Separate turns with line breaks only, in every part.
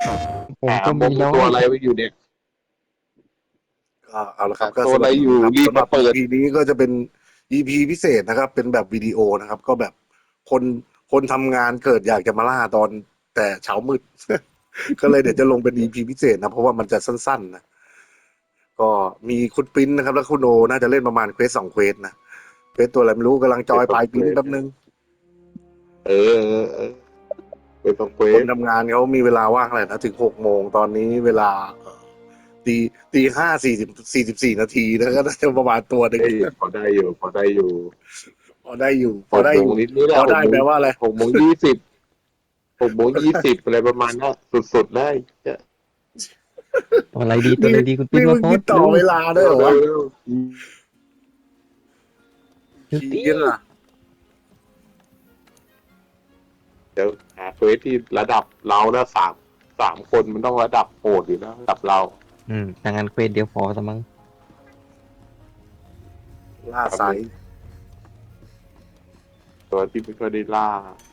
ผม
หา
ก็
ม
มี
ง
น้อย
ตัวอะไรไว้อยู่เนี่ย
ก็เอาละครับก็
ตัวอะไร
สนับส
อยู่รีบ
นุนครับสำหรับ
มาเปิด
EP นี้ก็จะเป็น EP พิเศษนะครับเป็นแบบวิดีโอนะครับก็แบบคนคนทำงานเกิดอยากจะมาล่าตอนแต่เช้ามืด ก็เลยเดี๋ยวจะลงเป็น EP พิเศษนะเพราะว่ามันจะสั้นๆนะก็มีคุณปริ้นนะครับแล้วคุณโอน่าจะเล่นประมาณเควส2 เควสนะเควสตัวอะไรไม่รู้กำลังจอยปลายปริ้นแป๊บนึง
เออเป็นต้องเคว
คน
ส
ทำงานเขามีเวลาว่างอะไรนะถึง6 โมงตอนนี้เวลาตีตี 5:44 นาทีแล้วก็น่าจะประมาณตัวหนึ่ง
เอ้ยพอได้อยู่พอได้อยู่
พอได้อยู่พ
หกโมง
อได้อยู่
นิดนี่แห
พอได้
ละหกโมง
แปลว่าอะไร
6:206:20อะไรประมาณนั้นสุดๆได้เนี่ย
ตัวอะไรดีตัวอะไรดีคุณปิ๊
นี่
น
มึ
มาง โพ
คิ
ส
ด
ต์
ต่อ
เร็ว
เวลาด้วยเหรอวะ
เร็ว
เดี๋ยว
ชี้
ตี
กันล่ะ
เดี๋ยวหาเควสที่ระดับเราแล้วสามคนมันต้องระดับโหดอยู่นะระดับเรา
ทางงานเควสเดียวพอสมั้ง
ล่าไซส์
ตัวที่ไม่ค่อยได้ล่า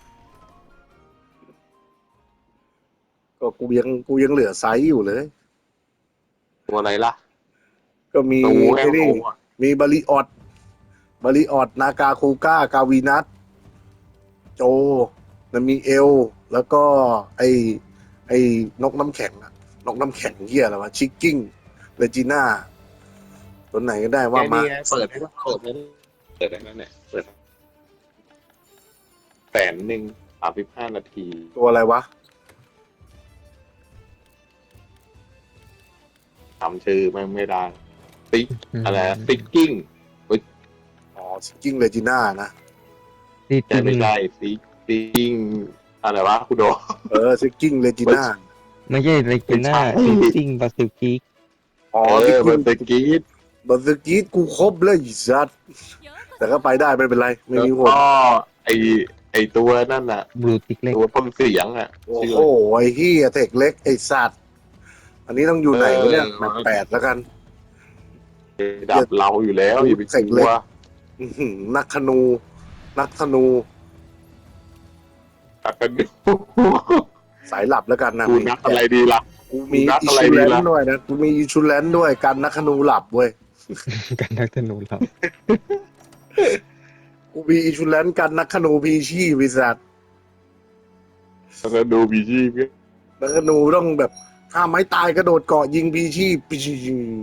ก็กูยังเหลือไซส์อยู่เลย
ตัวอะไรล่ะ
ก็มี
ตัวแห้
ไอ้
ง
นี่
โง่อะ
มีบาริออดนากาคูก้ากาวีนัทโจแล้วมีเอล แล้วก็ไอ้นกน้ำแข็งอะนกน้ำแข็งเหี้ยอะไรวะชิกกิ้งเรจิน่าตัวไหนก็ได้ว่ามา
เปิดให้แล้วเนี่ยเปิด1,035 นาที
ตัวอะไรวะ
จำชื่อไม่ได้ติ๊กอะไรติ๊กกิ้ง
อ๋อชิกกิ้งเรจิน่านะ
ที่
ใช่ไม่ใช่ติ๊กกิ้งอะไรวะคุณโด
ชิกกิ้งเรจิน่า
ไม่ใช่ไรกิน่า
ไม่ใช่
ซิงบาซิลกิก
อ๋อ
เอ
ชิก
อ
กิ้
มั
ง
นตะกี้
บัสกีดกูครบเลยไอ้สัตว์แต่ก็ไปได้ไม่เป็นไร ไม่
แล้ว
มีผล
ก็ไอตัวนั่นน่ะ
บลูติกเล็ก
ตัวพ่นเสียงอ่ะ
โอ้
ชื่อ
โหไอ้เฮียเทคเล็กไอ้สัตว์อันนี้ต้องอยู่ไหนวะเนี่ยแมป8แล้วกัน
ดับเราอยู่แล้วอย่าไปกลัว
อื้อหือนักธนู
ตัดกันดู
สายหลับแล้วกันนะ
กูนักอะไรดีล่ะ
กูมี
นัก
อิ
อะไร
ชู
ดี
แลน
ล่ะ
ด์ด้วยนะกูมีอิชูแลนด์ด้วยกันนักธนูหลับเว้ย
กันนักธนูเรา
กูมีอิชูแลนด์กันนักธนูพีชีวิสัตว์
แล้วก็ดูบีจีเพื่อ
นักธนูต้องแบบถ้าไม้ตายกระโดดเกาะยิงพีชีปีชี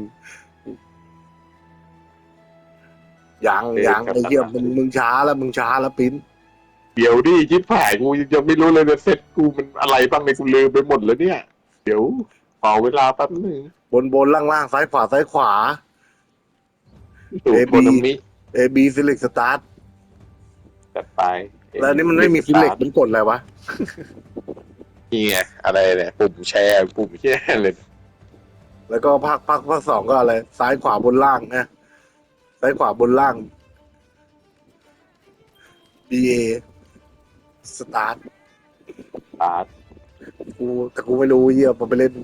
ยังไอ้เหี้ยมึงช้าแล้วปิ้น
เดี๋ยวดิชิบหายกูยังไม่รู้เลยนะเซ็ตกูมันอะไรบ้างในกูลืมไปหมดแล้วเนี่ย เดี๋ยวขอเวลาแป๊บนึง
บนล่างซ้ายขวา
สูตรโคนามิ
AB Select Start
จัดไป
แล้วนี่มันไม่มี Select มันกดอะไรวะ
นี่ไงอะไรเนี่ยปุ่มแชร์ปุ่มแชร์เลย
แล้วก็ภาคสองก็อะไร ซ้ายขวาบนล่างนะซ้ายขวาบนล่าง BA Start
อาร์ต
แต่กูไม่รู้เหี้ยพอไปเล่น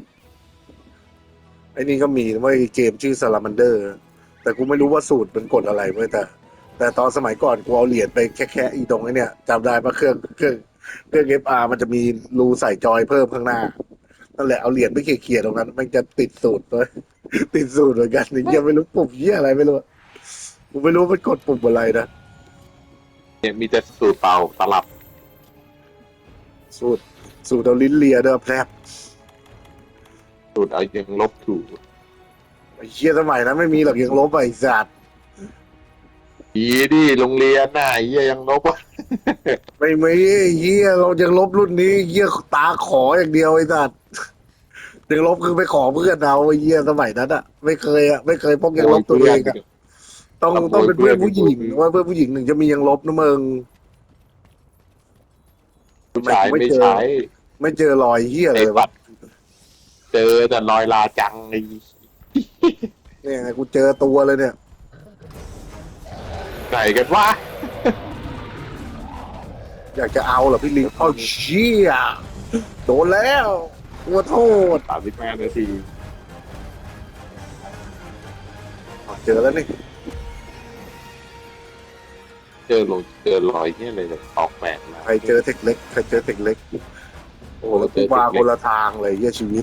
ไอ้นี่ก็มีว่าเกมชื่อ Salamander แต่กูไม่รู้ว่าสูตรมันกดอะไรเว้ยแต่ตอนสมัยก่อนกูเอาเหรียญไปแค่อีตรงไอ้เนี่ยจำได้ปะเครื่อง FR มันจะมีรูใส่จอยเพิ่มข้างหน้านั่นแหละเอาเหรียญไปเขี่ยๆตรงนั้นมันจะติดสูตรเลย ติดสูตรเหมือนกันนี่ยังไม่รู้ปุ่มเหี้ยอะไรไม่รู้กูไม่รู้มันกดปุ่มอะไรนะ
เนี่ยมีแต่สูตรเป่าตลับ
สูตรเอาลิ้นเลียเด้อแพรบ
สูตรเอายังลบถูก
ไอ้เหี้ยสมัยนั้นไม่มีหรอกยังลบไอ้สัตว์
อีดิโรงเรียนน่ะเหี้ยยังลบวะ
ไม่มีไอ้เหี้ยเรายังลบรุ่นนี้เหี้ยตาขออย่างเดียวไอ้สัตว์ยังลบคือไปขอเพื่อนเอาไอ้เหี้ยสมัยนั้นอะไม่เคยพกยังลบตัวเองอะต้องเป็นเพื่อนผู้หญิงว่าเพื่อนผู้หญิงหนึ่งจะมียังลบนะมึง
ผู้ชายไม่ใช้
ไม่เจอรอยเหี้ยอะไร
ไอ้
เลยวะ
บัตรเจอแต่รอยลาจังไอ้
เนี่ยไงกูเจอตัวเลยเนี่ย
ไหนกันวะ
อยากจะเอาเหรอพี่ลิงเอาเชี่ยโดนแล้วขอโทษ
35 นาที
เจอแล้วนี่
เจอรอยเนี่ยเลยออกแบบมา
ใครเจอเทคเล็กโอ้แล้วกูมาคนละทางเลยเยี่ยชีวิต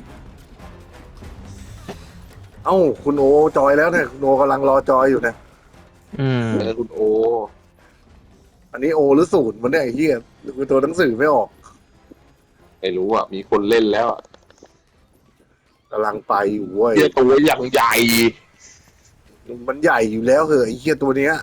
เอ้าคุณโอจอยแล้วเนี่ยคุณโอกำลังรอจอยอยู่เนี่ย
อืม
คุณโอ
อันนี้โอหรือศูนย์มันเนี่ยไอ้เหี้ยคือตัวหนังสือไม่ออก
ไม่รู้อ่ะมีคนเล่นแล้วอ่ะ
กำลังไปอยู่เว้ย
เหี้ยตัวอย่างใหญ่
มันใหญ่อยู่แล้วเหอะไอ้เหี้ยตัวเนี้ย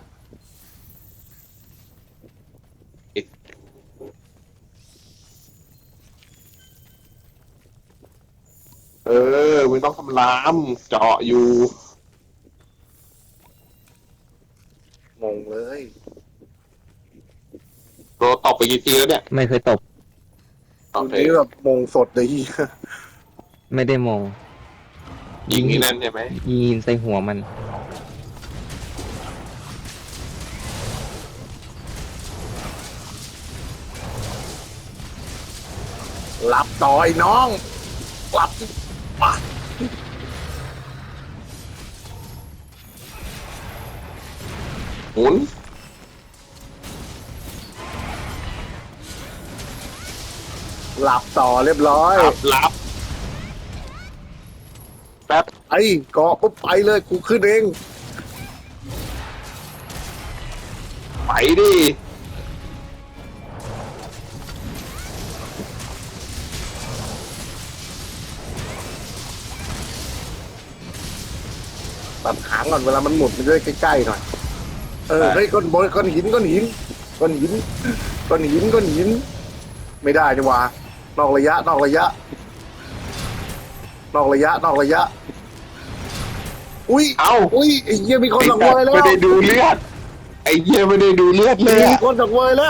เออมึงต้องทำรามเจาะอยู่
งงเลย
โดนตบไปกี่ทีแล้วเนี่ย
ไม่เคยตบ
โอ
ตัว
เค
นี้แบบมงสดเลยเหี้ย
ไม่ได้มอง
ยิงนี่นั่นใช่ไหม
ยิงใส่หัวมัน
หลับต่อยน้องหลับปะ
หมุน
หลับต่อเรียบร้อย
รับแป๊บ
ไอ้เกาะปุ๊บไปเลยกูขึ้นเอง
ไปดิ
ตัดหางก่อนเวลามันหมุนมันจะได้ใกล้ๆหน่อยเออเฮ้ยก้อนหินก้อนหินก้อนหินก้อนหินก้อนหิน ไม่ได้นี่หว่านอกระยะนอกระยะ นอกระยะนอกระยะ อุ้ย
เอ้า
อุ้ยไอ้เหี้ยมีคนสังเวยแล้ว
ไม่ได้ดูเลือด ไอ้เหี้ยไม่ได้ดูเลือดเลย
มี
อะ
คนสังเวยแล้ว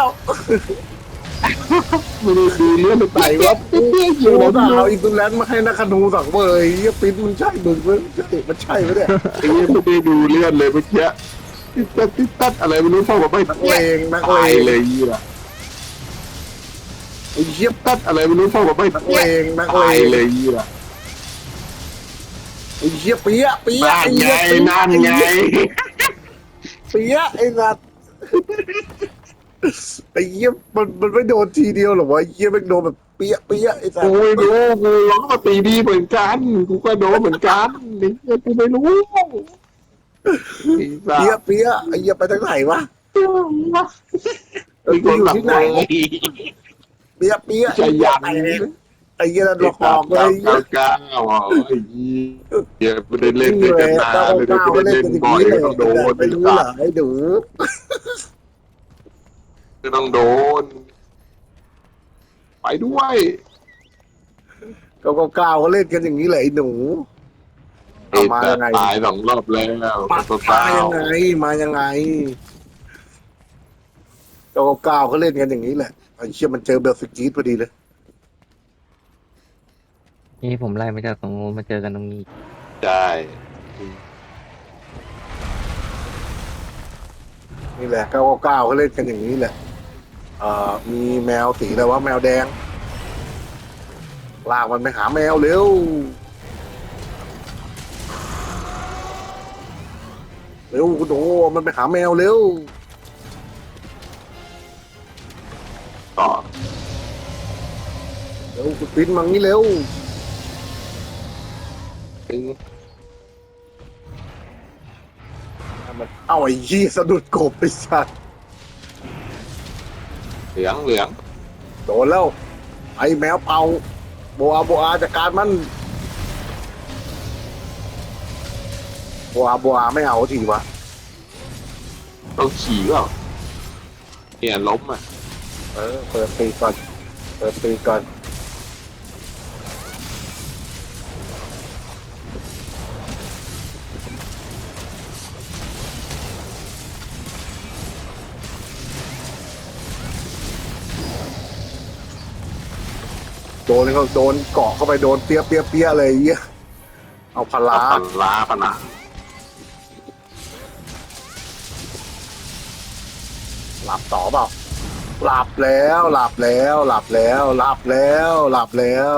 ไม่ได้ดูเลือดเลย
ไหนวะกูด่าเอาอินเตอร์แลนด์มาให้นักขนูสังเวยเหี้ยปิ้นมันใช่มึงไหมมันใช่ไหมเนี่ย
ไอ้เหี้ยไม่ได้ดูเลือดเลยเมื่อกี้ติดตัดอะไรไม่รู้พ่อบอกไม่
นักเลงนักเล
ตาย
ง
เลยเหี้ย
ไอ้เหี้ย
ตัดอะไรไม่รู้พ่อบอกไม่
นักเลงนักเล
ตาย
ง
เลยเหี้ย
ไอ้เหี้ยเปี๊ยะเปี๊ยะ
นั่น
ไอ้
ไง
เหี้ยเปี๊ยะ
นั่นไง
เปี๊ยะไอ้สัตว์ไอ้เหี้ยมันไม่โดนทีเดียวหรอวะไอ้เหี้ยไม่โดนแบบเปี๊ยะเปี๊ยะไอ้สัต
กู
ว์
ไม่รู้กูร้องมาตีดีเหมือนกันกูก็โดนเหมือนกันไอ้เหี้ยกูไม่รู้ไอ้สั
เปี๊ยะ
ส
เปี๊ยะไอ้เหี้ยไปทางไหนวะ
มีคนหลับใน
เปี๊ยะเปี๊ยะ
ใจยัน
ไอ้เหี้ยนั่นหลอกหลอกเล
เก้าย
ไอ้เหี้
เก้าย เก้าอ่ะไอ้เหี้ยไม่ได้เล่นด้วยกันนานไม่ได้
ก้าว
เล่น
กันอย่าง
บ่อย
นี้เลย
ก็ต้องโดน
ไม่รู้เหรอไอ้ดู
ก็ต้องโดน ไปด้วย
ก้าวเขาเล่นกันอย่างนี้แหละไอ้หนู
ไอ้
มา
แต่
ยังไง
ตายสองรอบแล้ว
มา
ตัว
มา
เก้า
ยังไงมายังไงก้าวเขาเล่นกันอย่างนี้แหละไอ้เชี่ยมันเจอเบลฟิกีสพอดีเลย
นี่ผมไล่มาจากตรงนู้นมาเจอกันตรงนี้
ใช่
นี่แหละก้าวเขาเล่นกันอย่างนี้แหละมีแมวสีอะไรวะแมวแดงลากมันไปหาแมวเร็วเร็วคุณโอ้มันไปหาแมวเร็ว
ต่อ
เร็วคุณปิ้นมังนี่เร็ว
ถึง
มันเอาไอ้ยี่สะดุดกบไปสัตว์
เหลืองเหลือง
โดนแล้ว ไอ้แมวเป่าโบอาจัดการมันโบอาไม่เอาทีวะ
ต้องขี่เปล่าเนี่ยล้มอ่ะ
เปิดปีกก่อนเปิดปีกก่อนโดนเขาโดนเกาะเข้าไปโดนเปี้ยเลยไอ้เหี้ยเอาพลา
พันล้าพนะ
หลับต่อเปล่าหลับแล้วหลับแล้วหลับแล้วหลับแล้วหลับแล้ว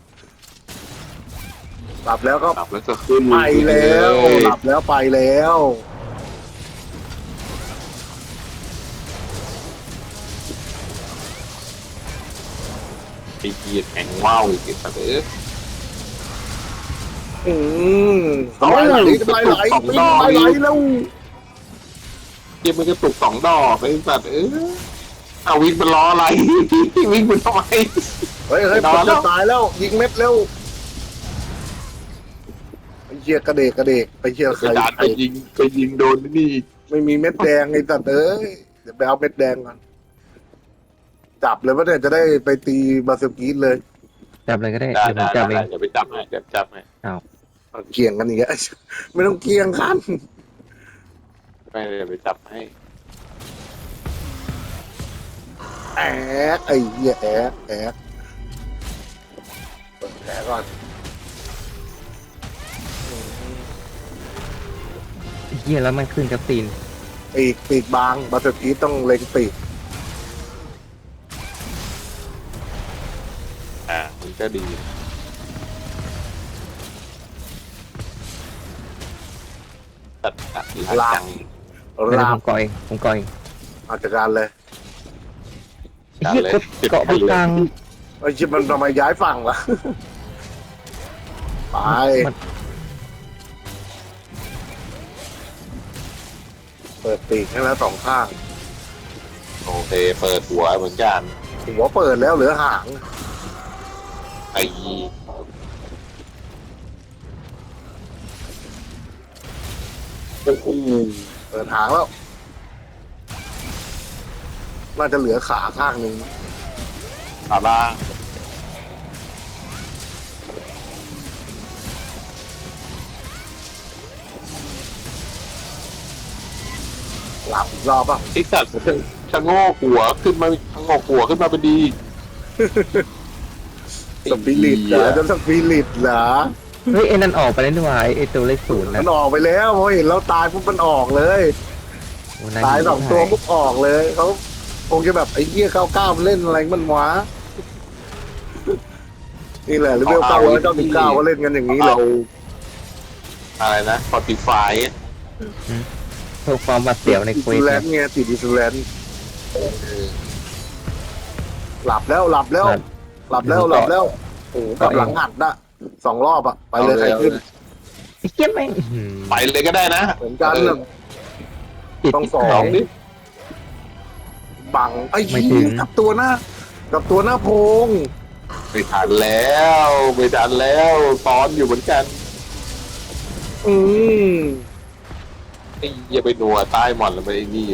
หลับแล้วก็
กลับแล้วจะขึ้น
ไปแล้ว
เย
หลับแล้วไปแล้ว
ไอ้เกียแข่งว้าวอีกสัตว์
อืมทำไมไหลทำไมไหลวิ่งทำไมไหลแล้ว
เกียมันกระตุก2 ดอกไอ้สัตว์เอาวิ่งเป็นล้ออะไร วิ่งเป็นทำไม
เฮ้ยผมจะตายแล้วยิงเม็ดเร็วไอ้เหี้ยกระเดกไปเหี้ย
ก
ใคร
ระดาษไปยิงโดนนี่
ไม่มีเม็ดแดงไอ้สัตว์เอ้ยเดี๋ยวไปเอาเม็ดแดงก่อนจับเลยว่าเนี่ยจะได้ไปตีบาสกีดเลย
จับเลยก็ได้
ได้
เดี๋ยวผมจับเอง
เดี๋ยวไปจับให้จับให้
เกี่ยงกันอย่างเงี้ยไม่ต้องเกี่ยงกัน
ไม่เดี๋ยวไปจับให้
แอกไอ้เหี้ยแอกเปิดแผลก่อน
เฮียแล้วมันขึ้นกับตีน
ปีกบางบาสกีดต้องเล็งปีก
มันก็ดีตัดลาจัง
ไม่ได้
ลา
ผ
บ
มก่อเอง
อาจการเลย
เฮียเกาะไปกลาง
ไอ้ชิบมันทำไมย้ายฝั่งล่ะ ไป
มัน
เปิดปีกให้แล้ว2 ข้าง
โอเคเปิดหัวเหมือนกัน
หัวเปิดแล้วเหลือหาง
ไอ้โอ้โห
เปิดหางแล้ว น่าจะเหลือขาข้างหนึ่ง
ขาล่าง
หลับอีกรอบป่ะ
ไอ้สัตว์ชะโงกหัวขึ้นมาชะโงกหัวขึ้นมาเป็นดี
สปิริตเหรอจะสปิริตเหรอ
เฮ้ยไอ้นั่นออกไปแล้วนี่หว่าไอ้ตัวเลข0
มั
นะ
นออกไปแล้วพอเห็นเราตายปุ๊บมันออกเลย
โอ้
ตาย2 ตัวปุ๊บออกเลยเขาคงจะแบบไอ้เหี้ย99มันเล่นอะไรมันวะนี่แหละหรือเวล999ก็เล่นกันอย่างนี้เลย
เอาอะไรนะพอติฟาย
เพื่อความหวาดเสียวในเควส
แล
เนี่ย
นด์ไงติดอิสแลนด์หลับแล้วโอ้กับหลังหัดนะ2 รอบอ่ะไปเลยใครขึ้น
ไอ้เฮียแม่งอื้อหือ
ไปเลยก็ได้นะ
เหมือนกันน่ะ
ติด
ต้อง
ที่
สอง
ไหน
ดิ
บังไอ้
ไม่
ชี้
ถึง
กับตัวหน้าโพง
ไม่ทันแล้วตอนอยู่เหมือนกัน
อืม
ไอ้อย่าไปนัวใต้หมอนแล้วไปไอ้นี่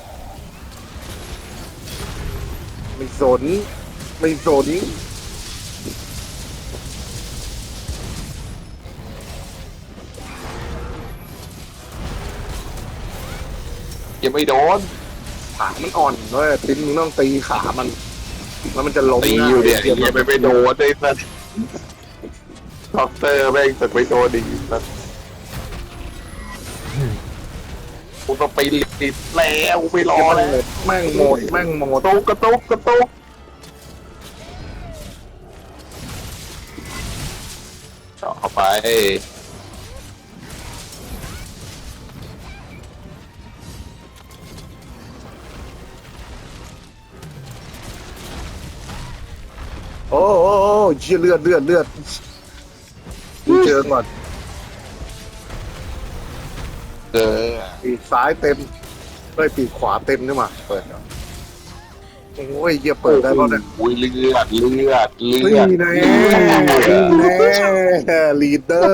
ไม่สน
อย่าไปโดน
ขามันอ่อนด้วยติ้นมึงต้องตีขามันแล้วมันจะล้ม
ตีอยู่เนี่ยอย่าไปโดนไอ้สัสด็อกเตอร์แม่งตึกไปโดนอีกสัสกูต้องไปติดแล้วไม่รอแล้ว
แม่งหมด
กระตุกเจาะเข้าไป
โอ้เชี่ยเลือดกูเจอก่อน ปีกซ้ายเต็มปีกขวาเต็มนี่หว่าเปิดก่อนโอ้ยเหี้ยเปิดได้ป่ะเนี่ย
อุ้ยเลือด
นี่แน่ลีดเดอร์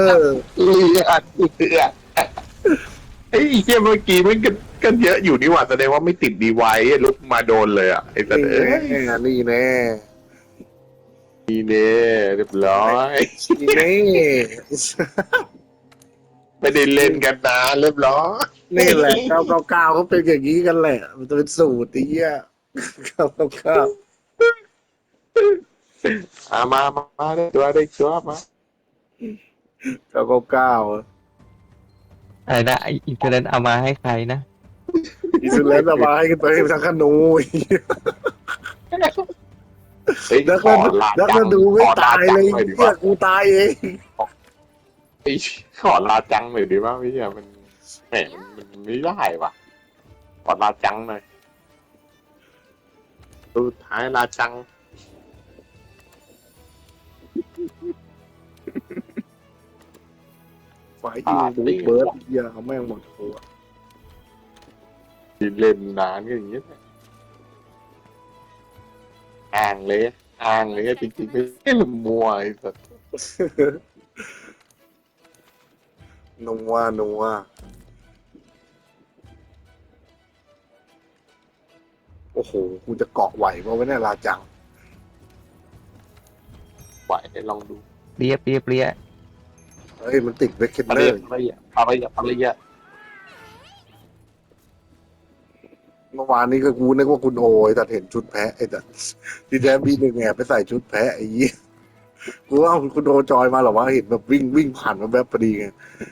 ไอ้เหี้ยเมื่อกี้มันก็เยอะอยู่นี่หว่าแสดงว่าไม่ติดดีไว้ลุกมาโดนเลยอ่ะไอ้สัตว์เอ้ย
นี่แน่
นี่เน่เรียบร้อย
นี่แน่
ไม่ได้เล่นกันนะเรียบร้อย
นี่แหละ999เขาเป็นอย่างนี้กันแหละ มันจะเป็นสูตรไอ้เหี้ย999
มาได้ชัวร์มา
999
อะไรนะไอ้อินเทอร์เน็ตเอามาให้ใครนะ
อิสุเลนเอามาให้กันไปทั้งขนูไอ้เหี้ย
เฮ้ย
แล้ว
ข
ก็
อลา
แล้ว
จั
ก็
ง
ดูไม่
ขอลา
ตาย
จั
เล
ง
ย
หน่อยดี
เหี้
ว่าย
กูตายเอง
ขอลาจังหน่อยดีว่าพี่อะมันแหมมันไม่ได้ว่ะขอลาจังหน่อยสุดท้ายลาจัง
ไฟยูเบิร์ดเหี้ยเอาแม่งหมดตัว
เล่นนานก็อย่างเงี้ยอ่างเลยจริงๆไม่ใช่มัวไอ้สัส
นัวโอ้โหกูจะเกาะไหวเพราะว่าเนี่ยลาจัง
ไหวให้ลองดู
เรียบเรียบเรียบ
เฮ้ยมันติดเวกเคน
อะ
เน
ไร
อร์
อะไร
เมื่อวานนี้ก็กูนึกว่าคุณโอไอ้แต่เห็นชุดแพะไอ้แต่ที่แท้บีหนึ่งแอบไปใส่ชุดแพะไอ้ยี่กูว่าคุณโอจอยมาหรอวะเห็นแบบวิ่งผ่านมาแบบพอดีไง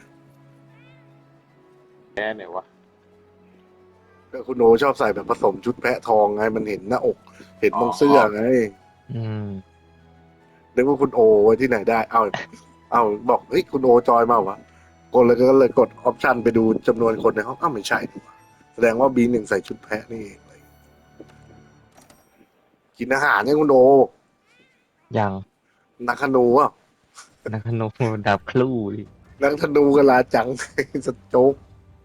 แค่ไหนวะ
ก็คุณโอชอบใส่แบบผสมชุดแพะทองไงมันเห็นหน้าอก เห็นตรงเสื้อไง
อืม
นึกว่าคุณโอไว้ที่ไหนได้ เอาบอกเฮ้ยคุณโอจอยมาวะกดเลยก็เลยกดออปชันไปดูจำนวนคนในห้องอ้าวไม่ใช่นี่หว่าแสดงว่าบีหนึ่งใส่ชุดแพะนี่เองกินอาหารเนี่ยคุณโอ
ยัง
นักธนูอ่ะ
นักขนมดับคลู่ดิ
นักธนูกันลาจัง สโจ๊ก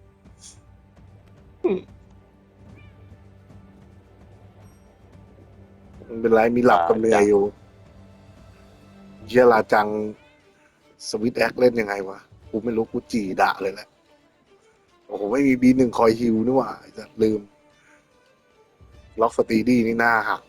มันเป็นไรมีหลับกับเหนื่อยอยู่เยลาจังสวิตแอคเล่นยังไงวะกูไม่รู้กูจีด่าเลยแหละโอ้โหไม่มีบีหนึ่งคอยฮิวนี่หว่าจะลืม ล็อกสตีดี้นี่หน้าหัก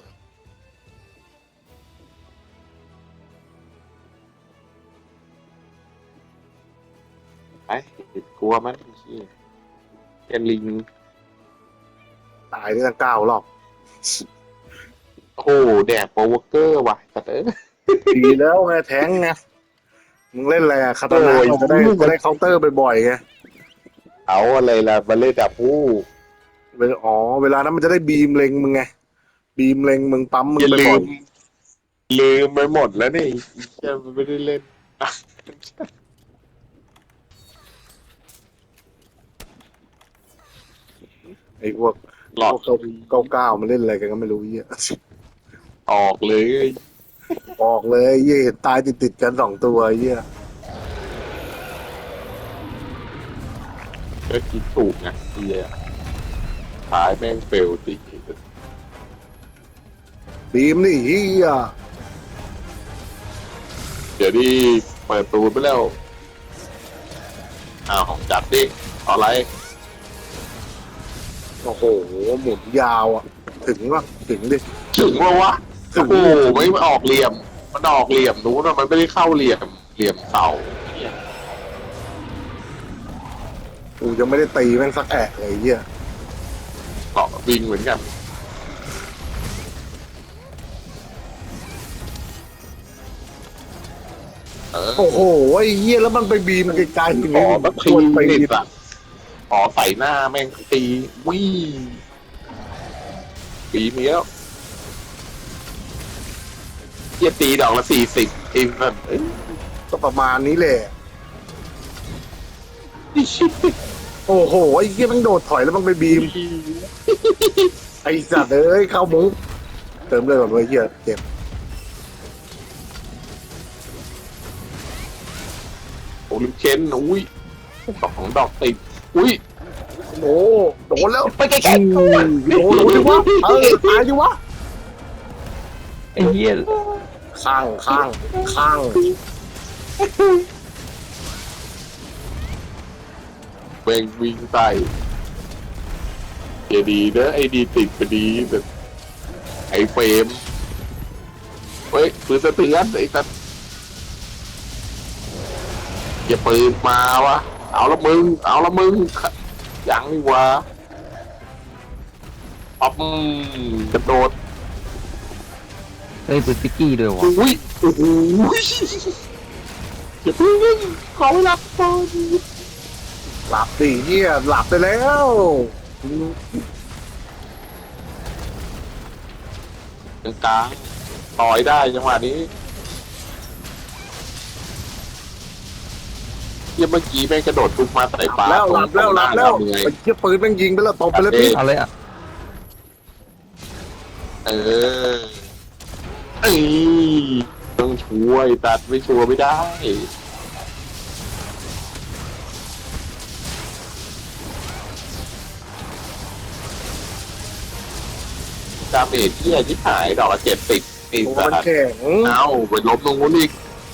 ไอ้กลัวมันแกลิง
ตายได้ตั้ง9 รอบ
โอ้โหแดกโปรวอเกอร์ว่ะแต่เออ
ดีแล้วไงแทงไงมึงเล่นอะไรอะคาตานา
โอ้ย
จะได้เคาน์เตอร์บ่อยๆไง
เอาอะไรล่ะมาเล่นดับผู้
เวลานั้นมันจะได้บีมเล็งมึงไง บีมเล็งมึงปั๊มมึง
อย่า
ไป
ลื
บ่อย
มลืมไปหมดแล้วนี่จะไม่ได้เล่น
ไอ้พวก
หลอด
99มันเล่นอะไรกันก็ไม่รู้เหี้ย
ออกเลย
ออกเลยเหี้ยเห็นตายติดกัน2 ตัวเหี้ย
ก็คิดถูกนะเฮียขายแม่งเฟลติ
บีมนี่เหี้ย
เดี๋ยวนี้เปิดตูนไปแล้วอ้าวจัดดิอะไร
โอ้โหหมุนยาวอ่ะ ถึงว่าถึงดิ
ถึงว่าวะ
ถึ
โอ้
ง
โหไม่ออกเหลี่ยม มันออกเหลี่ยมนู้นอะมันไม่ได้เข้าเหลี่ยมเสาเนี่ย
กูยังไม่ได้ตีแม่งสักแอะเลยเหี้ย
เกาะวิงเหมือนกัน
โอ้โหไอ้เหี้ยแล้วมันไปบีมไกลๆถึง
ขอแบบ
ชวนไป
นิดอะขอใส่หน้าแม่งตีวิ่งปีนี้แล้วเฮียตีดอกละ40ทีมนั่นเอ้ย
ก็ประมาณนี้แหละ
นี่ชิบ
โอ้โหไอ้เหี้ยมันโดดถอยแล้วมันไปบีม ไอ้สัตว์เอ้ยเข้ามุกเติมเลยก่อนเว้ยเหี้ยเจ็บ
โอ้ลิมเชนอุ้ย2 ดอกติดอุ้ย
โอ้โดนแล้ว
ไปไกล
โดนดิวะตายดิวะ
ๆไอ้เหี้ย
ข้าง
แม่งวิ่งใส่อย่าดีนะไอ้ดีติดไปดีแบบไอ้เฟรมเฮ้ยปืนสะเทือนไอ้สัสอย่าปืนมาวะเอาละมึงยังนี่วะอ๊อบกระโดด
เฮ้ยปืนปิกกี้ด้วยวะ
อุ้ยโอ้โหอย่าเพิ่งขอเวลาก่อน
หลับดิเหี้ยหลับไปแล้ว
กลางต่อยได้จังหวะนี้เยี่ยเมื่อกี้แม่งกระโดดทุกมาใส่ปลา
หลับแล้ว
ไอ้
ไอ้เหี้ยปืนแม่งยิงไปแล้วตบไปแล้วพี่
เอาเลยอ่ะ
เออเอ้ยต้องโชโอ้ยตัดไม่ชัวร์ไม่ได้ดาเมจที่ที่หายดอกละ70อีก
ตัว
สั
มัน
ตว์
แข็ง
เอาไปล้มตรงนู้นอีก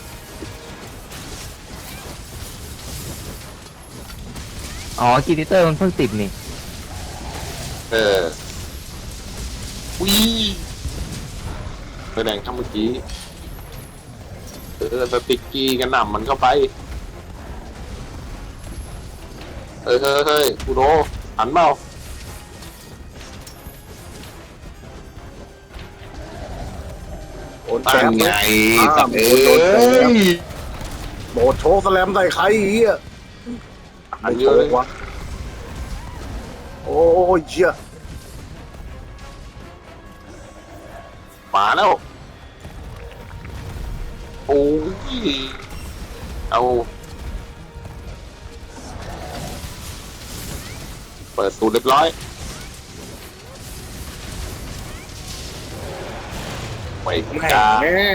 อ๋อกีนิเตอร์มันเพิ่งติดนี่
เออวิแสดงทำเมื่อกี้สติ๊กกี้กันหน่ำมันเข้าไปเฮ้ยกูโดหันเปล่า
โดน
ตั้
แฉ
ง
บ
ไง
อ้าว
เอ้
โดนแฉบ
ย
โดดโชว์สแลมใส่ใครอีกอ่ะ
อัน
ไม่
เย
โช
อะเลย
ว์วะโอ้ยเชี่ย
มาแล้วโอ้ยเอาเปิดสูตรเรียบร้อยไม่
แหม
กล้า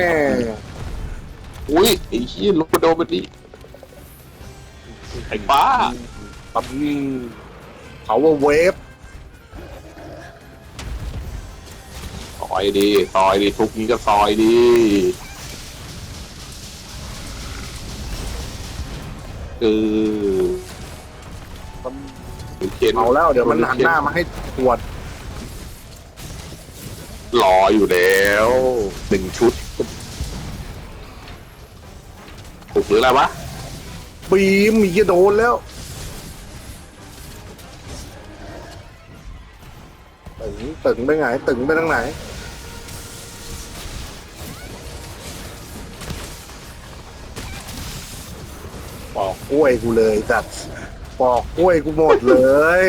อุ้ยไอ้ขี้ยลูกโดนมันดิไอ้บ้า
ปั๊มเขาว่าเวฟ
ซอยดีทุกนี้ก็ซอยดีเออเขียน
เอาแล้วเดี๋ยวมันหันหน้ามาให้ตรวจ
รออยู่แล้วหนึ่งชุดถูกหรืออะไรวะ
บีมมีจะโดนแล้วตึงไปไหนตึงไปทางไหนปอกกล้วยกูเลยจัดปอกกล้วยกูหมดเลย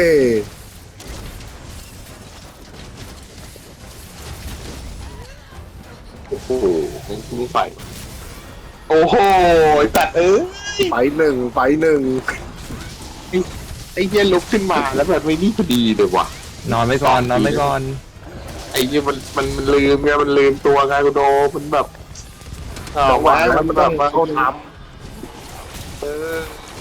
โอ้โหมึงใส่โอ้โหตัด
ไปหนึ่ง
ไอ้เหี้ยลุกขึ้นมาแล้วแบบไม่นี่พอดีเลยว่ะ
นอนไปก่อนนอนไปก่อน
ไอ้เหี้ยมันลืมไงมันลืมตัวไงกูโดมันแบบ
จังหวะนั้นมันต้องเขาท
เออ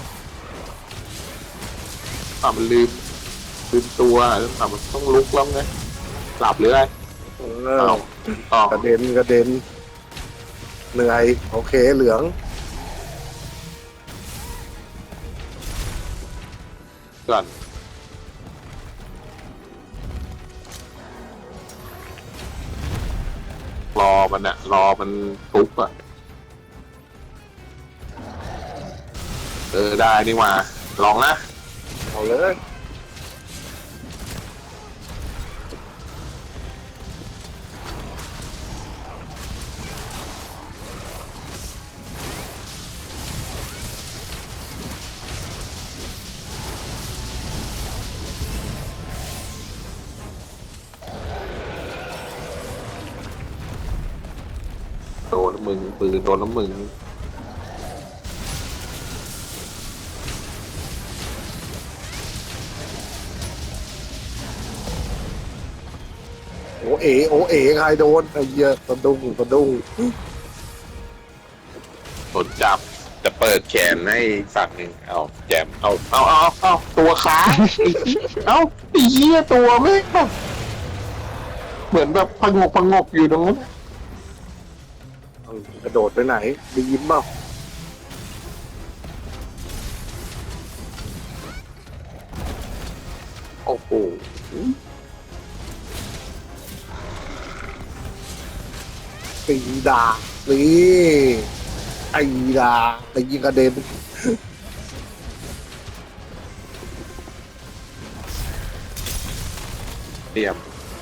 มันลืมตัวมันต้องลุกแล้วไงหลับหรืออะไร
ำ
ต่อก
ระเด็นเหนื่อยโอเคเหลือง
ก่อนรอมันทุบอ่ะได้นี่มาลองนะ
เอาเลย
โดนมึงปืนโดนแล้วมึง
โอเอ๋ใครโดนไอ้เหี้ยสะดุ้ง
โดนจับจะเปิดแขนให้ฝั่งหนึ่งเอาแจมเอาตัวค้างเอาไอ้เหี้ยตัวไม่งแบบเหมือนแบบพงกอยู่ตรงนั้น
กระโดดไปไหนได้ยินเปล่า
โอ้โห
ตีดานี่ไอ้ดาไปยิงกระเด็น
เตรียม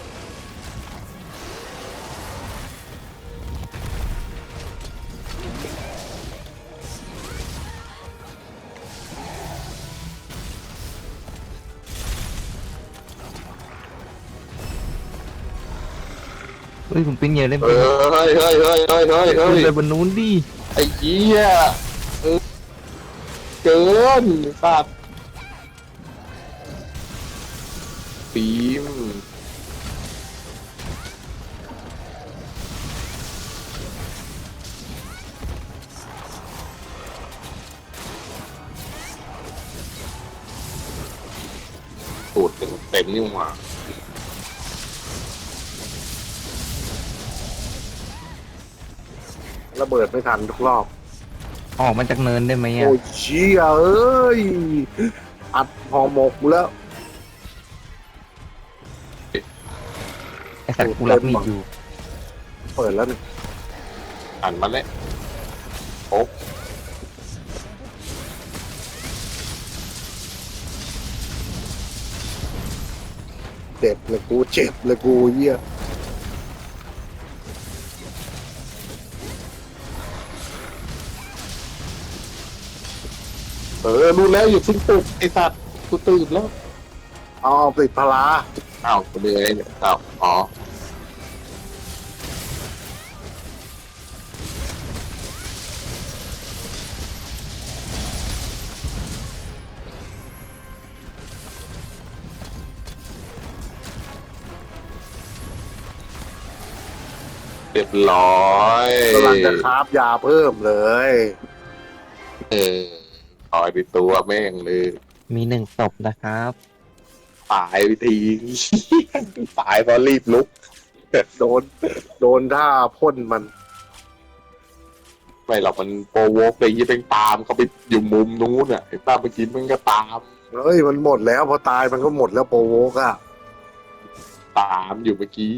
เฮ้ยผมปิ้งเยอะเล่น
เฮ้ย
ขึ้นไปบนนู้นดิ
ไอ้เหี้ยเกินสัตว์ฟิล์มสูตรเต็มนี่หว่า
ระเบิดไม่ทันทุกรอบ
ออกมาจากเนินได้ไหมอ่ะ
โอ้ยเชี่ยเอ้ย อัดห่อหมกกูแล้ว
ไอสัตว์กูรับมีดอยู่
เปิดแล้วนี่
หันมาเลยโอ้
เจ็บเลยกูเจ็บเลยกูเยี่ย
รู้แล้วอยู่ทิ้งตุกไอ้สัตว์กูตื่นแล้ว
เอาติดพลา
อ้าวกูเลยเนี่ยอ้าวอ๋อเรียบร้อย
กำลังจะคราฟยาเพิ่มเลย
เออต่อยไปตัวแม่งเลย
มี1 ศพนะครับ
ตายไปที ตายเพราะรีบลุก
โดน โดนท่าพ่นมัน
ไม่หรอกมันโปรโวกไปยี่เป็นตามเขาไปอยู่มุมนู้นอ่ะไอ้ป้าเมื่อกี้มันก็ตาม
เฮ้ยมันหมดแล้วพอตายมันก็หมดแล้วโปรโวกอะ
ตามอยู่เมื่อกี้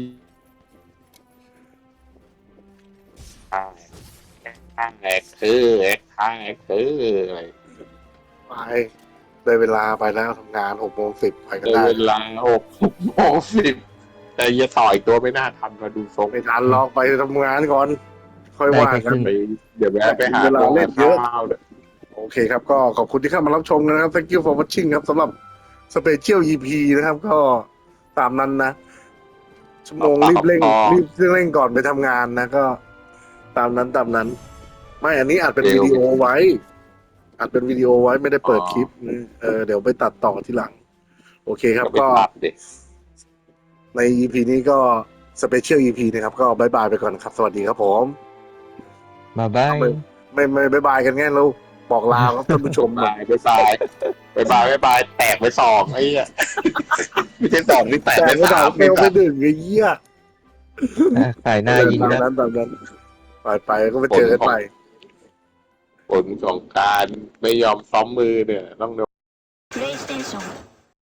ข้างแอกคือข้างแอกคืออะไร
ไปได้เวลาไปแล้วทำงาน6:10ไปก็
เดิน
ได้
เวลา6:10แต่อย่าต่อยตัวไม่น่าทันมาดูทรง
ไม่ทันลองไปทำงานก่อน ค่อยว่า
ได้แค่
กั
ครึ่
น
ง
ไปเดี๋ยวแวะไปหา
เวลาเล่นเยอะ
ข้าวเนี่ย
โอเคครับ ก็ขอบคุณที่เข้ามารับชมกันนะครับ thank you for watching ครับสำหรับ Special EP นะครับ ก็ตามนั้นนะ ชั่วโมงรีบเร่งก่อนไปทำงานนะ ก็ตามนั้น ไม่อันนี้อัดเป็นวิดีโอไว้ อัดเป็นวิดีโอไว้ไม่ได้เปิดคลิปเดี๋ยวไปตัดต่อทีหลัง โอเคครับ
ไป
ก็
ตัดเด็ก
ใน EP นี้ก็ Special EP นะครับ ก็บายบายไปก่อนครับ สวัสดีครับผม
บ๊ายบาย
ไม่บายบายกันแง่ลูกบอกลาครับท่านผู้ชมหน่อย
บายแตกไปสองไอ้เหี้ยไม่ใช่สองนี่แตก
แต่
ไป
ไม่
สา
ด่าม เฟลไปดึงไอ้เหี้ย
ขายหน้ายิง
ตาม
นะ
นั้นไปก็ไปเจอกันใหม่
ผลของการไม่ยอมซ้อมมือเนี่ยต้อง
プレイステーション